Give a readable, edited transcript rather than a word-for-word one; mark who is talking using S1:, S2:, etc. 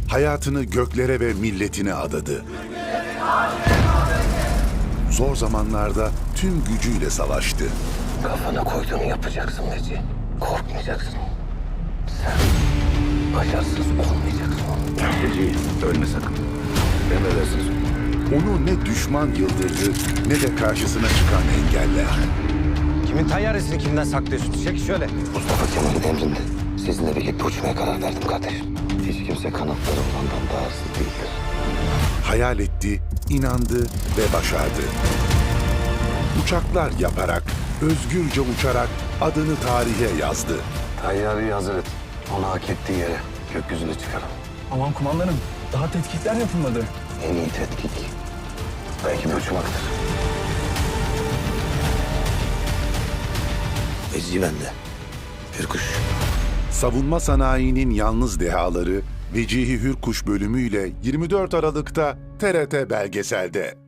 S1: hayatını göklere ve milletine adadı. Zor zamanlarda tüm gücüyle savaştı.
S2: Kafana koyduğunu yapacaksın Veci. Korkmayacaksın. Sen başarısız olmayacaksın.
S3: Veci, ölme sakın. Emredersiniz.
S1: Onu ne düşman yıldırdı ne de karşısına çıkan engeller.
S4: Kimin tayyaresini kimden saklıyorsun? Çek şöyle.
S2: Mustafa Kemal'in emrinde sizinle birlikte uçmaya karar verdim kardeşim. Hiç kimse kanatları olandan daha hızlı değildir.
S1: Hayal etti, inandı ve başardı. Uçaklar yaparak, özgürce uçarak adını tarihe yazdı.
S2: Tayyarıyı hazır et. Onu hak ettiği yere gökyüzüne çıkarın.
S5: Aman kumandanım, daha tetkikler yapılmadı.
S2: En iyi tetkik belki bir uçmaktır. Veci bende. Hürkuş.
S1: Savunma sanayinin yalnız dehaları Vecihi Hürkuş bölümüyle 24 Aralık'ta TRT Belgesel'de.